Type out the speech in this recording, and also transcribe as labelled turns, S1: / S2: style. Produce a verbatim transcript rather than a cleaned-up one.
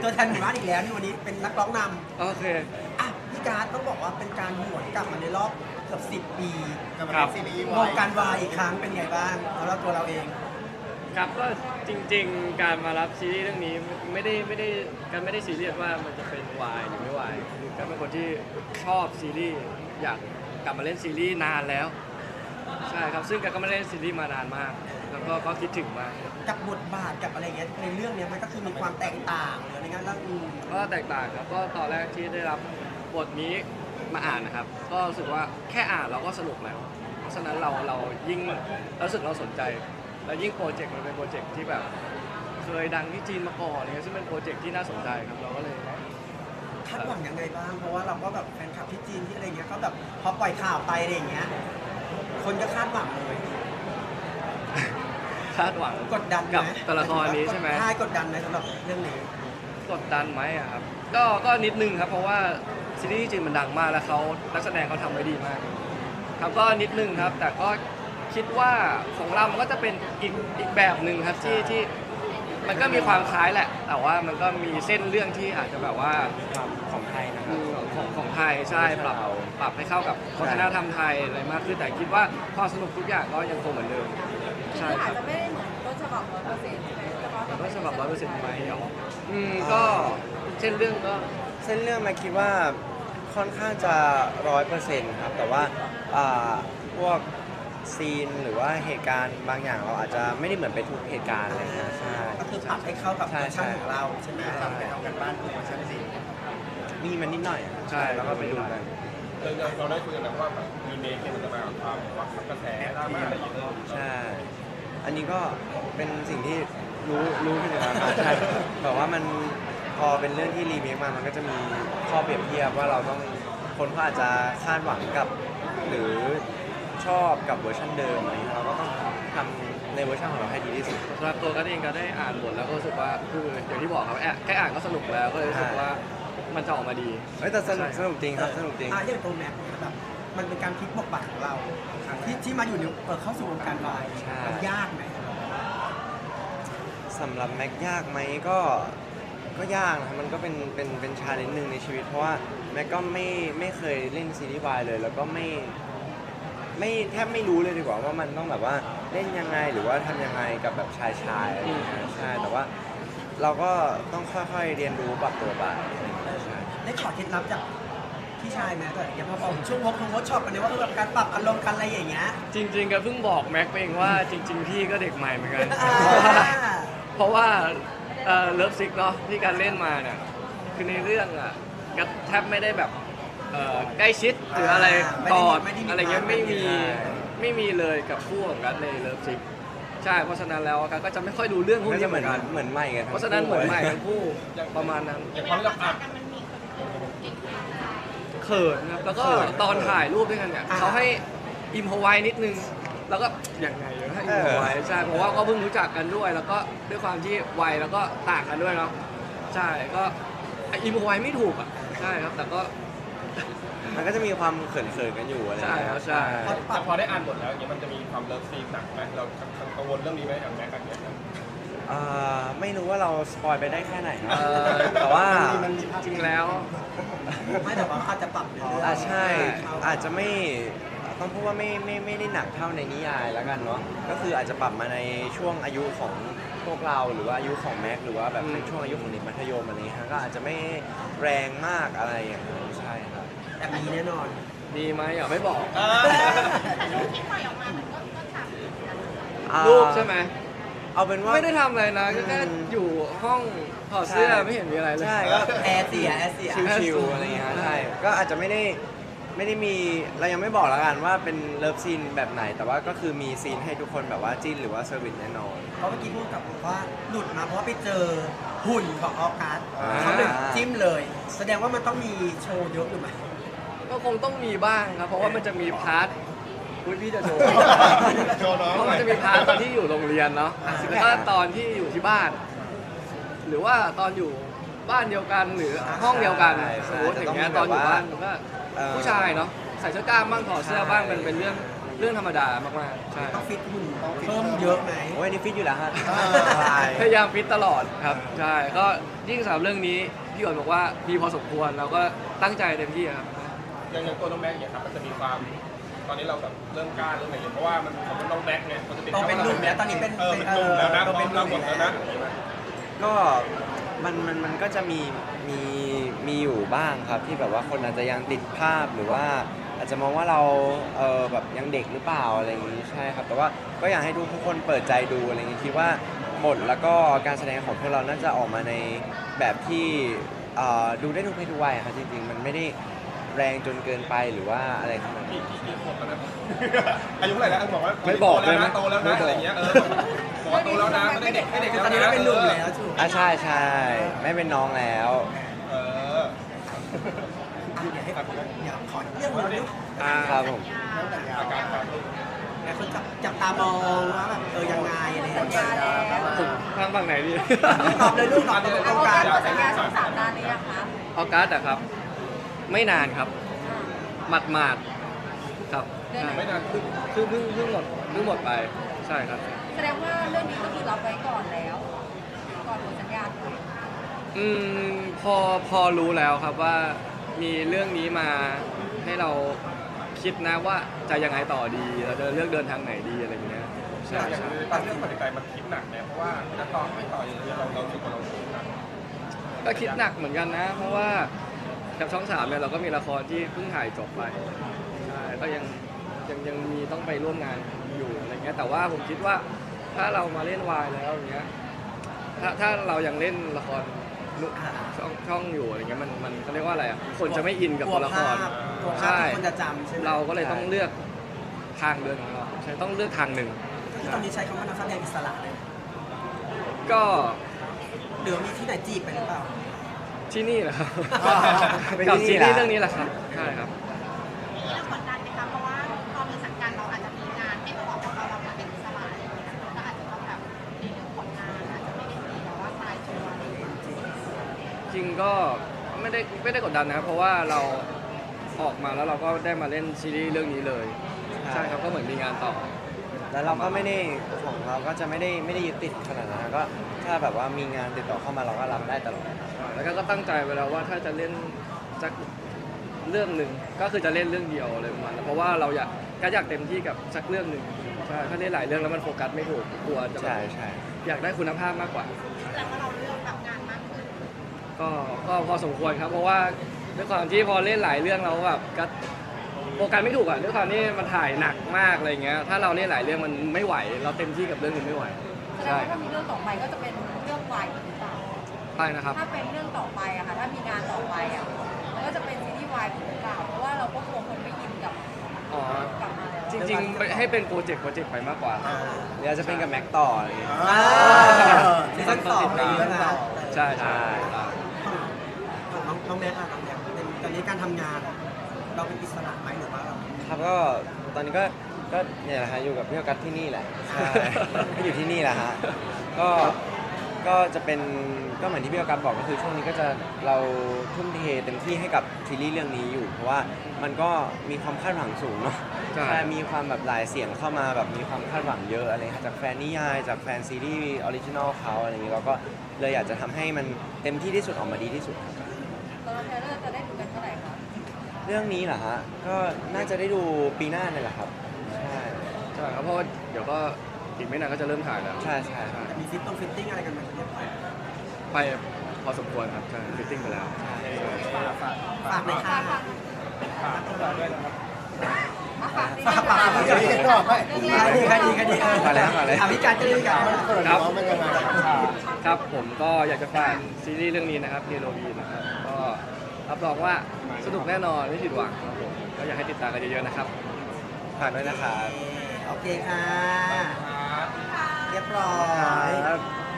S1: ตัวแทนหมู่บ้านอีกแล้วนี่วันนี้เป็นนักร้องนำ
S2: โอเค
S1: อ่ะพี่การ์ดต้องบอกว่าเป็นการหวนกลับมาในรอบเกือบสิบปี
S3: กับ
S2: ครับ
S3: ซีรีส์
S1: วงการวายอีกครั้งเป็นไงบ้างสำหรับตัวเราเอง
S2: ครับก็จริงๆการมารับซีรีส์เรื่องนี้ไม่ได้ไม่ได้การไม่ได้ซีเรียสว่ามันจะเป็นวายหรือไม่วายคือการเป็นคนที่ชอบซีรีส์อยากกลับมาเล่นซีรีส์นานแล้วใช่ครับซึ่งการก็ไม่ได้เล่นซีรีส์มานานมาก แล้วก็ก็คิดถึงมาก
S1: กับบทบาทกับอะไรเงี้ยในเรื่องเนี้ยมันก็คือมีความแตกต่างหรืออะไรเงี้ยแล้วอืม
S2: ก็แตกต่างครับก็ตอนแรกที่ได้รับบทนี้มาอ่านนะครับ ก็รู้สึกว่าแค่อ่านเราก็สนุกแล้วเพราะฉะนั้นเราเรายิ่งเรารู้สึกเราสนใจ แล้วยิ่งโปรเจกต์มันเป็นโปรเจกต์ที่แบบเคยดังที่จีนมาก่อนอะไรเงี้ยซึ่งเป็นโปรเจกต์ที่น่าสนใจครับเราก็เลย
S1: คาดหวังยังไงบ้างเพราะว่าเราก็แบบแฟนคลับที่จีนที่อะไรเงี้ยก็แบบพอปล่อยข่าวไปอะไรอย่างเงี้ยคนก็คาดหวังเลย
S2: คาดหวัง
S1: กดดันไหม
S2: กับตัวละครนี้ใช่ไหม
S1: ใช่กดดันไหมสำหรับเรื่องนี้
S2: กดดันไหมอะครับก็ก็นิดนึงครับเพราะว่าซีรีส์จีนมันดังมากแล้วเขานักแสดงเขาทำไว้ดีมากครับก็นิดนึงครับแต่ก็คิดว่าของเรามันก็จะเป็นอีกอีกแบบหนึ่งครับที่ที่มันก็มีความคล้ายแหละ แต่ว่ามันก็มีเส้นเรื่องที่อาจจะแบบว่า
S4: ความของไทยนะครั
S2: อื
S4: บ
S2: มของของไทยใช่ปรับปรับให้เข้ากับวัฒนธรรมไทยอะไรมากขึ้นแต่คิดว่าความสนุกทุกอย่างก็ยังคงเหมือนเดิมใช่
S5: คือ
S2: ค
S5: อา
S2: รั
S5: จ
S2: บ
S5: จะไม่ได้เหมือนต้นฉบับร้อยเปอร์เซ็นต์ใช่ไหมแต่ว่า
S2: ต้นฉบับร้อยเปอร์เซ็นต์ไหมเหรออืมก็เช่นเรื่องก็
S4: เส้นเรื่องมาคิดว่าค่อนข้างจะร้อยเปอร์เซ็นต์ครับแต่ว่าอ่าพวกซีนหรือว่าเหตุการณ์บางอย่างเราอาจจะไม่ได้เหมือนไปทุกเหตุการณ์อะไรเงี้ยใช่
S1: ก็คือปรับให้เข้ากับ
S4: ใช่
S1: เวอร์ชัน
S4: ใช่
S1: ของเราใช่ไหม
S3: ทำไปทำกันบ้านของชั้นสี่
S4: มีมันนิดหน่อยอะ
S2: ใช่
S4: แล้วก็ไปดูกัน
S3: เราเราได้คุยกันนะว่าแบบรีเมคเนี่ยมันจะมากับความหวังกระแสดราม่าอะไรอย่างเงี้ย
S4: ใช่ อันนี้ก็เป็นสิ่งที่รู้รู้อยู่แล้วครับใช่แบบว่ามันพอเป็นเรื่องที่รีเมคมา มันก็จะมีข้อเปรียบเทียบว่าเราต้องคนเขาอาจจะคาดหวังกับ หรือชอบกับเวอร์ชันเดิมอะไรเงี้ยเราก็ต้องทำในเวอร์ชันของเราให้ดีที่สุด
S2: สำหรับตัวกันเองก็ได้อ่านบทแล้วก็รู้สึกว่าคืออย่างที่บอกครับแค่แค่อ่านก็สนุกแล้วก็เลยรู้สึกว่ามันจะออกมาดี
S4: เฮ้ยแต่สนุก
S2: ใช่
S4: สนุกจริงครับสนุกจริง
S1: อ่ะอย่างตัวแม็กซ์เนี่ยแบบมันเป็นการพลิกบทบาทของเราที่ที่มาอยู่ในเปิดเข้าสู่วงการวาย
S4: ใช่
S1: มันยากไหม
S4: สำหรับแม็กยากไหมก็ก็ยากนะครับมันก็เป็นเป็นเป็นชาเลนจ์หนึ่งในชีวิต เพราะว่าแม็กก็ไม่ไม่เคยเล่นซีรีส์วายเลย แล้วก็ไม่ไม่แทบไม่รู้เลยดีกว่าว่ามันต้องแบบว่าเล่นยังไงหรือว่าทำยังไงกับแบบชายชายอะไรอย่างเงี้ยใช่แต่ว่าเราก็ต้องค่อยๆเรียนรู้ปรับตัวไปใช่
S1: ได้ขอเคล็ดลับจากพี่ชายไหมแต่อย่างพอผมช่วงวอล์กวอล์กช็อปกันเนี่ยว่าเออแบบการปรับอารมณ์กันอะไรอย่างเงี้ย
S2: จริงๆก็เพิ่งบอกแม็กไปเองว่าจริง ๆ พี่ก็เด็กใหม่เหมือนกัน
S1: อ่า
S2: เพราะว่าเลิฟซิกเนาะที่การเล่นมาเนี่ยคือในเรื่องอ่ะก็แทบไม่ได้แบบเอ่อใกล้ชิดหรืออะไรกอดอะไรเงี้ยไม่มีไม่มีเลยกับคู่ของกันในเลิฟซิกใช่เพราะฉะนั้นแล้วกันก็จะไม่ค่อยดูเรื่องพวก
S4: ก็
S2: นี้
S4: จะ
S2: เห
S4: เห
S2: มื
S4: มื
S2: อ
S4: อน น
S2: กัน
S4: เหมือนใหม่กัน
S2: เพราะฉะนั้นเหมือนใหม่ทั้งคู่ประมาณนั้น
S3: อย่างความที่เราอ่าน
S2: เขินครับแล้วก็ตอนถ่ายรูปด้วยกันเนี่ยเขาให้อิมพอไว้นิดนึง แล้วก็อย่างไงให้อิมพอไว้ใช่เพราะว่าก็เพิ่งรู้จักกันด้วย แล้วก็ด้วยความที่วัยแล้วก็ต่างกันด้วยเนาะใช่ก็อิมพอไว้ไม่ถูกอ่ะใช่ครับแต่ก็
S4: มันก็จะมีความเขินๆกันอยู่อะไรอย่างเงี้ย
S2: ใช่ครับใช่
S3: แต่พอได้อ่านบทแล้วอย่างเงี้ยมันจะมีความเลิฟซีนหนักไหมเรากังวลเรื่องนี้ไหมอย่างแม็กกันเนี่ย
S4: อ่าไม่รู้ว่าเราสปอยไปได้แค่ไหนนะ
S2: เอ่อ
S4: แต่ว่า
S2: จริงๆแล้ว
S1: ไม่แต่ว่าอาจจะปรับในเรื่อง
S4: อ่าใช่
S1: เขา
S4: อาจจะไม่ต้องพูดว่าไม่ไม่ไม่ได้หนักเท่าในนิยายแล้วกันเนาะก็คืออาจจะปรับมาในช่วงอายุของพวกเราหรือว่าอายุของแม็กหรือว่าแบบในช่วงอายุของเด็กมัธยมอะไรเงี้ยฮะก็อาจจะไม่แรงมากอะไรอย่างนั้นใช่ครับ
S1: แต่มีแน่นอน
S2: ดีไหมอ่ะไม่บอก
S4: อ่า
S2: รูปใช่ไหม
S4: เอาเป็นว่า
S2: ไม่ได้ทำอะไรนะก็แค่
S4: อืม
S2: อยู่ห้องถอดเสื้อ
S4: ใช่
S2: ไม่เห็นมีอะไรเลย
S4: ใช่ก็
S1: แอร์เสียแอร์เสีย
S4: ชิวๆอะไรเงี้ยใช่ก็อาจจะไม่ได้ไม่ได้มีเรายังไม่บอกแล้วกันว่าเป็นเลิฟซีนแบบไหน แต่ว่าก็คือมีซีนให้ทุกคนแบบว่าจิ้นหรือว่าเซอร์วิสแน่นอน
S1: เพราะเมื่อกี้พูดกับผมว่าหลุดมาเพราะว่าไปเจอหุ่นของออกัส
S4: อ่า
S1: เขาเลยจิ้มเลย แสดงว่ามันต้องมีโชว์เยอะหรือไม่
S2: ก็คงต้องมีบ้างครับ เพราะว่ามันจะมีพาร์ทอุ๊ยพี่จะโชว์
S3: โชว์น้อง
S2: เพราะมันจะมีพาร์ทตอนที่อยู่โรงเรียนเนาะแล้วก็ตอนที่อยู่ที่บ้าน หรือว่าตอนอยู่บ้านเดียวกันหรือห้องเดียวกัน
S4: ใช่
S2: สมมติอย่างเงี้ย
S4: แต่
S2: ต
S4: ต้
S2: อ
S4: อน งมี
S2: อยู่
S4: แบบว่า
S2: บ้านมันก็
S4: เอ่อ
S2: ผู้ชายเนาะใส่เสื้อกล้ามบ้างถอดเสื้อบ้างมันเป็นเรื่องปเรื่องธรรมดามากๆใช่ค
S1: ต้
S2: รั
S1: อบ งฟิตหุ่นเพิ่มเยอะไหม
S4: โอ้ยอันนี่ฟิตอยู่แล้วฮะ
S1: เออ
S4: ใช่
S2: พยายามฟิตตลอดครับใช่ก็ยิ่งสำหรับเรื่องนี้พี่อ๋อนบอกว่ามีพอสมควรเราก็ตั้งใจเต็มที่ครับ
S3: อย่างอย่างตัวน้องแม็กซ์เนี่ยครับมันจะมีความตอนนี้เราแบบเริ่มกล้าเริ่มอะไรอย่างเงี้ยเพราะว่ามันผมเป็นน้องแม็กซ์เนี่ยมันจะเป็น
S1: โตเป็นหนุ่มแล้วตอนนี้เป็น
S3: เออเป็นหนุ่มแล้วนะ
S1: เออ
S3: เป็นเราหมดแล้วนะ
S4: ก็มันมันมันก็จะมีมีมีอยู่บ้างครับที่แบบว่าคนอาจจะยังติดภาพหรือว่าอาจจะมองว่าเราเออแบบยังเด็กหรือเปล่าอะไรอย่างนี้ใช่ครับแต่ว่าก็อยากให้ทุกทุกคนเปิดใจดูอะไรอย่างนี้คิดว่าบทแล้วก็การแสดงของพวกเราน่าจะออกมาในแบบที่เอ่อดูได้ทุกเพศทุกวัยครับจริงๆมันไม่ได้แรงจนเกินไปหรือว่าอะไรขนาดนั้น
S3: กี่กี่กี่ขวบแล้วนะอายุเท่าไหร่แล้วบอกว่า
S2: ไม่บอกเลยไหม
S3: โตแล้วนะอะไรอย่างเงี้ยเออบอกว่าโตแล้วนะไม่ได้เด็กไม่เด็ก
S1: คือ
S3: แล้ว
S1: ตอนนี้
S3: นะ
S1: เราเป็นหนุ่มแล้วถูก
S4: อ่ะใช่ใช่ไม่เป็นน้องแล้ว
S3: เออ
S1: เดี๋ยวให้เดี๋ยวขอเรื่องหนึ่ง
S2: อ่า
S4: ครับผม
S3: อาการครับ
S1: หลายคนจับจับตามองว่าแบบเออยังไงอะไรอย่าง
S5: สัญ
S1: เงี้ย
S5: ญาแล้ว
S2: ผมทางฝั่งไหนดี
S1: ตอบเลยลูกตอบเลยตรงกลาง
S5: เอาสัญญาสองสามนานหรือยังคะ
S2: ออกัสอะครับ ไม่นานครับหมาดหมาดๆครับใช่
S3: ไม่นานขึ้น
S2: เพิ่งเพิ่งเพิ่งหมดเพิ่งหมดไปใช่ครับ
S5: แสดงว่าเรื่องนี้ก็คือรับไว้ก่อนแล้ว ก่อนหมดสัญญาเลย
S2: อืมพอพอรู้แล้วครับว่ามีเรื่องนี้มาให้เราคิดนะว่าจะยังไงต่อดีเราจะเลือกเดินทางไหนดีอะไรอย่างเงี้ยใช่
S3: อย่าง
S2: ใช่
S3: ตอนเรื่องปฏิใจมันคิดหนักเนี่ยเพราะว่าจะต่อไม่ต่ออย่างเงี้ยเราเราคิดว่าเราคิดหนัก
S2: ก็คิดหนักเหมือนกันนะ เพราะว่ากับช่องสามเนี่ยเราก็มีละครที่เพิ่งถ่ายจบไปใช่ก็ยังยังยังมีต้องไปร่วมงานอยู่อะไรเงี้ยแต่ว่าผมคิดว่าถ้าเรามาเล่นวายแล้วอย่างเงี้ยถ้าถ้าเรายังเล่นละครช่องช่องอยู่อะไรเงี้ยมันมันเขาเรียกว่าอะไรอ่ะคนจะไม่อินกับตัวละคร
S1: กลัวภาพ
S2: ใช่
S1: ที่คนจะจำใช่ไหม
S2: เราก็เลยต้องเลือกทางเดินของเราใช่ต้องเลือกทางหนึ่ง
S1: ที่ตอนนี้ใช้คำว่านักแสดงอิสระเลย
S2: ก็
S1: หรือมีที่ไหนจีบไปหรือเปล่า
S2: ที่นี่แหละครับ
S1: อ๋อ
S4: เป็น
S2: กับ
S4: ที่
S2: ซี
S4: นี่
S2: รี
S4: แหละ
S2: ส์เรื่องนี้แหละครับใช่ครับ
S6: นี่เรากดดันไหมคะเพราะว่าพอมีสังกัดเราอาจจะมีงานให้เขาบอกว่าเราเรามาเป็นอิสระอะไรอย่างเงี้ยก็อาจจะต้องแบบในเรื่องผลงานอาจจะไม่ได้มีแบบว่าตายตัวอะไรอย่างเงี้ย
S2: จริงก็ไม่ได้ไม่ได้กดดันนะครับเพราะว่าเราออกมาแล้วเราก็ได้มาเล่นซีรีส์เรื่องนี้เลย
S4: ใช่
S2: ใช่ครับก็เหมือนมีงานต่อ
S4: แล้วเราก็ไม่ได้ของเราก็จะไม่ได้ไม่ได้ยึดติดขนาดนั้นนะก็ถ้าแบบว่ามีงานติดต่อเข้ามาเราก็รับได้ตลอด
S2: แล้วก็ก็ตั้งใจไว้แล้วว่าถ้าจะเล่นสักเรื่องหนึ่งก็คือจะเล่นเรื่องเดียวอะไรประมาณนั้นเพราะว่าเราอยากก็อยากเต็มที่กับสักเรื่องหนึ่งใช่ถ้าเล่นหลายเรื่องแล้วมันโฟกัสไม่ถูกกลัวจะแบบ
S4: ใช่ใช่
S2: อยากได้คุณภาพมากกว่า
S6: แต่ว่าเราเลือกแบบงานมากขึ้น
S2: ก็ก็พอสมควรครับ เพราะว่าด้วยความที่พอเล่นหลายเรื่องเราแบบก็โฟกัสไม่ถูกอ่ะด้วยความที่มันถ่ายหนักมากอะไรเงี้ยถ้าเราเล่นหลายเรื่องมันไม่ไหว เราเต็มที่กับเรื่องนึงไม่ไหว
S5: แสดง
S2: ใช่
S5: ว่า
S2: ครั
S5: ถ้า
S2: บ
S5: มีเรื่องต่อไปก็จะเป็นเรื่องวายอีกหรือเปล่า
S2: ใช่นะครับ
S5: ถ้าเป็นเรื่องต่อไปอะค่ะถ้ามีงานต่อไปอะมันก็จะเป็นซีรีส์วายหรือเปล่าเพราะว่าเราก็กลัวคนไม่ยินกับ
S2: อ๋อ
S5: กลับมาแล้ว
S2: จริงๆให้เป็นโปรเจกต์โปรเจกต์ไปมากกว่า
S1: อ่า
S4: หรืออาจจะเป็นกับแม็กต่ออะไรอย่างเงี้ย
S1: อ่าซีซั่นสองอะไรอย่างเงี้ยนะ
S2: ใช่ใช่
S1: ของน้องน้องแม็กซ์อะน้องแม็กซ์เป็นตอนนี้การทำงาน เราเป็นอิสระไหมหรือว่าเรา
S4: ครับก็ตอนนี้ก็ก็เนี่ยแหละฮะอยู่กับพี่ออกัสที่นี่แหละใช่ก็อยู่ที่นี่แหละฮะก็ก็จะเป็นก็เหมือนที่พี่ออกัสบอกก็คือช่วงนี้ก็จะเราทุ่มเทเต็มที่ให้กับซีรีส์เรื่องนี้อยู่ เพราะว่ามันก็มีความคาดหวังสูงเนาะ
S2: ใช่
S4: ใช่มีความแบบหลายเสียงเข้ามาแบบมีความคาดหวังเยอะอะไรครับจากแฟนนิยายจากแฟนซีรีส์ออริจินอลเขาอะไรอย่างนี้เราก็เลยอยากจะทำให้มันเต็มที่ที่สุดออกมาดีที่สุด
S5: ตอนเราเทรลเลอร์จะได้ดูกันเมื่อไหร่คะ
S4: เรื่องนี้เหรอฮะ ก็น่าจะได้ดูปีหน้าเนี่ยแหละครับ ใช่
S2: ใช่ครับเพราะว่าเดี๋ยวก็อีกไม่นานก็จะเริ่มถ่ายแล้ว
S4: ใช่ใช่
S2: ใช่
S1: จะมีฟิตต้องฟิตติ้งอะไรกันไหมเนี่ย
S2: ไปพอสมควรครับใช่ฟิตติ้งไปแล้ว
S1: ฝากหน่อยค่ะ
S5: ฝากฝากฝาก
S1: ฝากฝากฝาก
S5: เรื่องแร
S1: ใคร
S5: ก
S1: ดีใครดีใครดี
S4: มาแล้วมาแล้ว
S1: อ่ะพี่การจะได้กัน
S2: ครับครับผมก็อยากจะฝากซีรีส์เรื่องนี้นะครับเฮโรวีนนะครับก็รับรองว่าสนุกแน่นอนไม่ผิดหวังครับผมก็อยากให้ติดตามกันเยอะๆนะครับ
S4: ฝากด้วยนะครับ
S1: โอเคค่ะ เรียบร้อย
S4: ครับ